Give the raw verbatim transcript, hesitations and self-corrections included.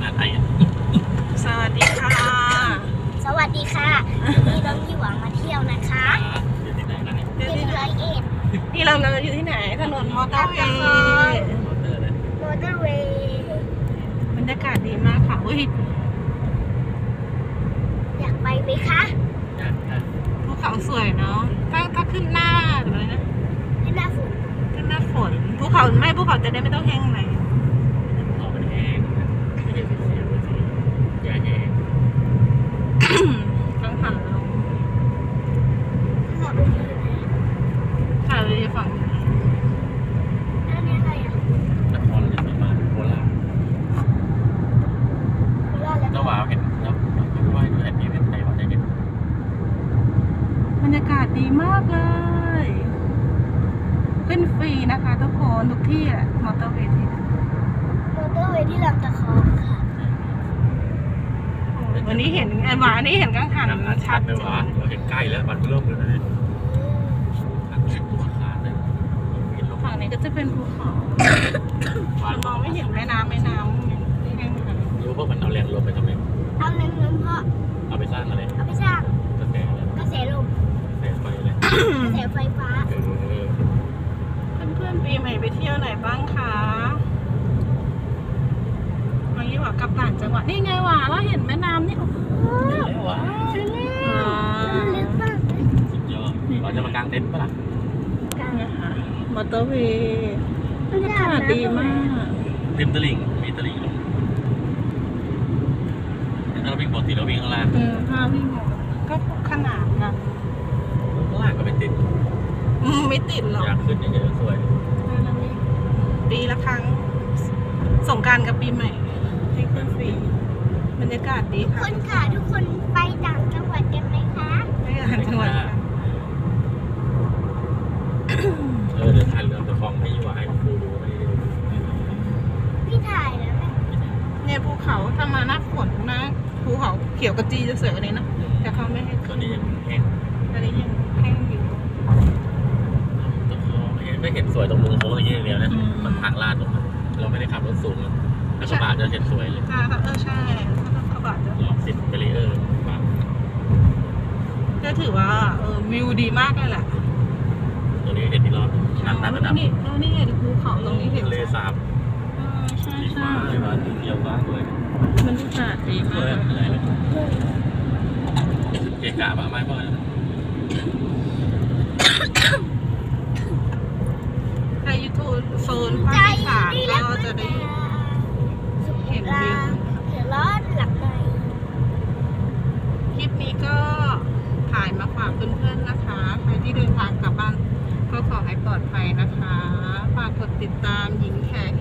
งานไทยอ่ะสวัสดีค่ะสวัสดีค่ะวันนี้น้องยี่หวังมาเที่ยวนะคะอยู่ที่ไหนกันเนี่ยที่ร้อยเอ็ดนี่เราเราอยู่ที่ไหนถนนมอเตอร์เวย์มอเตอร์เลยมอเตอร์เวย์บรรยากาศดีมากค่ะอุ้ยอยากไปไหมคะอยากอยากภูเขาสวยเนาะถ้าถ้าขึ้นหน้าหรืออะไรนะที่หน้าฝนขึ้นหน้าฝนภูเขาไม่ภูเขาจะได้ไม่ต้องแห้งไหมออกมันแห้งไม่เห็นเสียงเลยสิอย่าแห้งต้องผ่านลงขับรถอยู่ไหนค่ะเลยฝั่งนี้แล้วนี่อะไรอ่ะนครราชสีมาโคราชโคราชแล้วเจ้าบ่าวเห็นแล้วว่าดูแอนดี้เป็นไงบ้างได้เห็นบรรยากาศดีมากเลย ขึ้นฟรีนะคะทุกคนทุกที่แหละมอเตอร์เวย์ที่มอเตอร์เวย์ที่ลำตะคองค่ะวันนี้เห็นไอ้หวานี่เห็นกังหันชัชัดดเลยเจวะนเราเห็นใกล้แล้วมันเริ่มเลยนะอันนี้ตัวขาดเลยเห็นลงฝั่งนี้ก็จะเป็นภูเขาวานมองไม่เห็นแม่น้ำแม่น้ำนี่แห้งๆรู้ว่ามันเอาแรงลมไปทำไมเอาเงินเงินเพราะเอาไปสร้างอะไรเอาไปสร้างกระแสอะไรกระแสลมกระแสไฟเลยกระแสไฟฟ้าเออเพื่อนๆปีใหม่ไปเที่ยวไหนบ้างคะวันนี้ว่ากลับต่างจังหวัดนี่ไงว่ะเราเห็นแม่น้ำนี่โอ้โหเห็นแล้ววะใช่แล้วอ่ามันลึกมากเลยสุดยอดเราจะมากางเต็นท์ปะล่ะกลางนะคะมอเตอร์เวย์บรรยากาศดีมากริมตลิ่งมีตลิ่งลงถ้าเราวิ่งปกติเราวิ่งข้างล่างอืมถ้าวิ่งก็ขนาดนะข้างล่างก็ไม่ติดอืมไม่ติดหรอกอยากขึ้นเยอะๆสวยปีละครั้งสงกรานต์กับปีใหม่ให้ขึ้นฟรีบรรยากาศดีทุกค่ะคนค่ะทุกคนไปต่างจังหวัดกันไหมคะไม่ต่างจังหวัดค่ะเออเดี๋ยวถ่ายเรือตะคองให้ยูวให้ครูดูไม่ได้ดูพี่ถ่ายแล้วไหมเนี่ยภูเขาถ้ามาหน้าฝนนะภูเขาเขียวกระจีจะสวยกว่านี้นะแต่เขาไม่ให้ตอขึ้นนนี้ยังแห้งตอนนี้ยังแห้งอยู่ตะคองไม่เห็นสวยตรงมุมโค้งอย่างเงี้ยเดียวนะอืมมันทางลาดลงมาเราไม่ได้ขับรถสูงแล้วกระบะจะเห็นสวยเลยค่ะเออใช่ถ้าเขาบาดจะลองติดเบรีเออร์มาก็ถือว่าเออวิวดีมากเลยแหละตัวนี้เห็นที่รอบนั่นนั่นระดับนี่แล้วนี่เห็นภูเขาตรงนี้เห็นทะเลสาบเออใช่สีใช่ฟ้าเลยว่าเกี่ยวฟ้าด้วยบรรยากาศดีเพื่มาอก นอะไรเลยเกะกะปะไม่พ่อใครยูทูบโซนภาคอีสานก็จะได้เห็นวิวเห็นร้อนหลับในคลิปนี้ก็ถ่ายมาฝากเพื่อนๆนะคะ ใครที่เดินทางกลับบ้านก็ขอให้ปลอดภัยนะคะ ฝากกดติดตามหญิงแขก